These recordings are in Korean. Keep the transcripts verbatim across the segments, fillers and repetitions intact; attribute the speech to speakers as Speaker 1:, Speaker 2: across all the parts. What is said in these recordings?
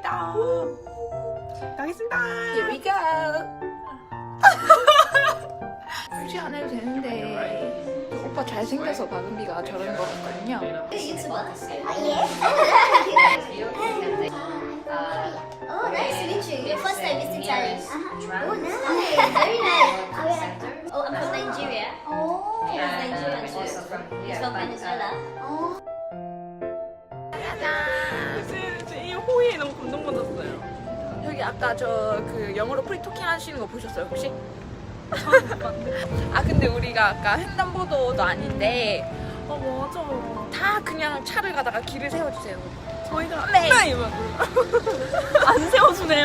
Speaker 1: 가겠습니다. 가겠습니다.
Speaker 2: Here we go. 굳이 안 해도 되는데 오빠 잘생겨서 박은비가 저러는 거 같거든요.
Speaker 3: 유튜버. 아 예. Oh, nice to meet you. First time visiting Thailand. Uh-huh. Oh, nice. Very nice. Oh, yeah. Oh, I'm from Nigeria. Oh, yeah, Nigerian too. He's from Venezuela. Oh.
Speaker 1: 이 호의에 너무 감동받았어요.
Speaker 2: 여기 아까 저 그 영어로 프리토킹 하시는 거 보셨어요 혹시? 아 근데 우리가 아까 횡단보도도 아닌데
Speaker 1: 어 맞아.
Speaker 2: 다 그냥 차를 가다가 길을 세워주세요.
Speaker 1: 저희가
Speaker 2: 네.
Speaker 1: 안 세워주네요.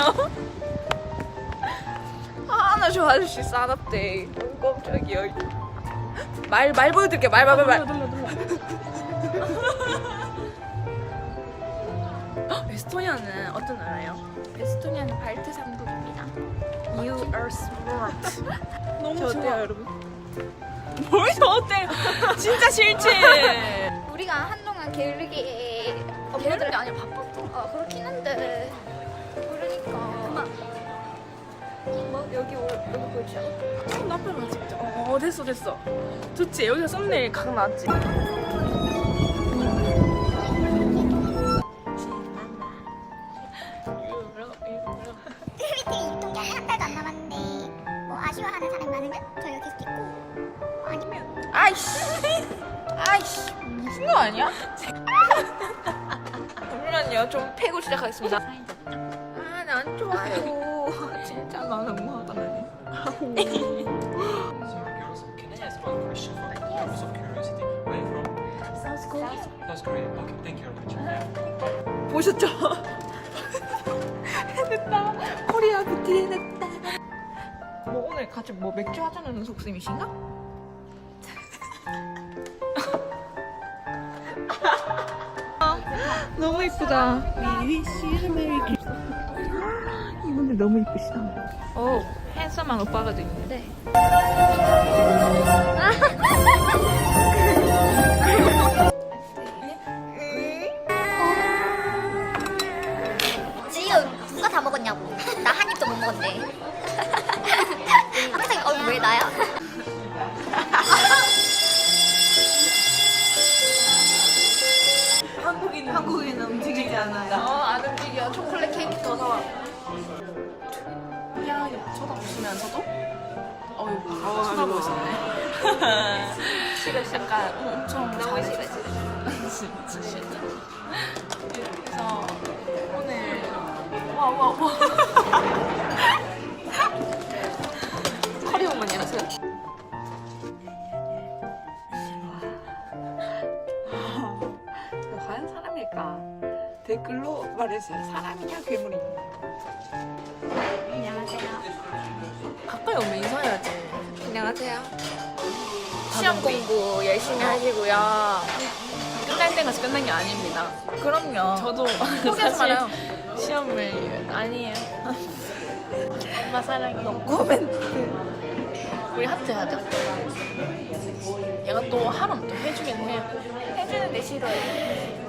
Speaker 2: 아 나 저 아저씨 싸납대. 어이 깜짝이야. 말, 말 보여드릴게요. 말, 말, 말, 말.
Speaker 1: 돌려 돌려. 에스토니아는 어떤 나라예요?
Speaker 2: 에스토니아는 발트 삼국입니다. You are smart.
Speaker 1: 너무
Speaker 2: 저
Speaker 1: 좋아.
Speaker 2: 어때요 여러분?
Speaker 1: 뭘 어때요? 진짜 싫지.
Speaker 2: 우리가 한동안 게으르게 게으르게 아니라 바빴던 아 그렇긴 한데 그러니까 뭐 여기 올- 여기 보이죠?
Speaker 1: 나쁘면 진짜. 어 됐어 됐어. 좋지. 여기서 썸네일 각 나왔지.
Speaker 3: 팬미팅이 있던 게 한 달도 안 남았는데 뭐 아쉬워하는 사람이 많으면 저희가 계속 있고 아니면
Speaker 2: 아이씨 아이씨 미친 거 아니야? 잠시만요 좀 패고 시작하겠습니다. 아난 좋아요. 진짜 나 너무하다.
Speaker 4: Sorry, girls. Can I ask one question for the purpose of curiosity? Where are you from?
Speaker 3: South Korea.
Speaker 4: South Korea. Okay, thank you very much.
Speaker 2: 보셨죠? 해냈다. 코리아 뷰티 해냈다. 뭐 오늘 같이 뭐 맥주 하자는 속셈이신가? 너무 이쁘다. 이분들 너무 이쁘시다. 오, 핸섬한 오빠가 도 있는데.
Speaker 3: 지금 누가 다 먹었냐고. 나 한 입도 못 먹었네. 항상 어, 왜 나야?
Speaker 1: 한국인 한국인은 움직이지 않아요.
Speaker 2: 어, 안 움직여. 초콜릿 케이크 더 사와.
Speaker 1: 야 쳐다보시면서도 어이구 쳐다보고 있었네.
Speaker 2: 싫어, 약간
Speaker 1: 엄청
Speaker 2: 너무
Speaker 1: 잘해.
Speaker 2: 싫어, 싫어.
Speaker 1: 진짜 싫다. 그래서 오늘 와와 와.
Speaker 2: 커리 오만 안녕하세요. 과연 사람일까? 댓글로 말해주세요. 사람이냐 괴물이냐?
Speaker 3: 안녕하세요.
Speaker 1: 가까이 오면 인사해야지.
Speaker 2: 안녕하세요. 시험 공부 열심히 하시고요.
Speaker 1: 끝날 때까지 끝난 게 아닙니다.
Speaker 2: 그럼요.
Speaker 1: 저도
Speaker 2: 포기하지
Speaker 1: 사실
Speaker 2: 말아요.
Speaker 1: 시험을 아니에요. 엄마 사랑해.
Speaker 2: 코멘트.
Speaker 1: 우리 하트 하자. 얘가 또 하람 또 해주긴 해요.
Speaker 2: 해주는데 싫어요.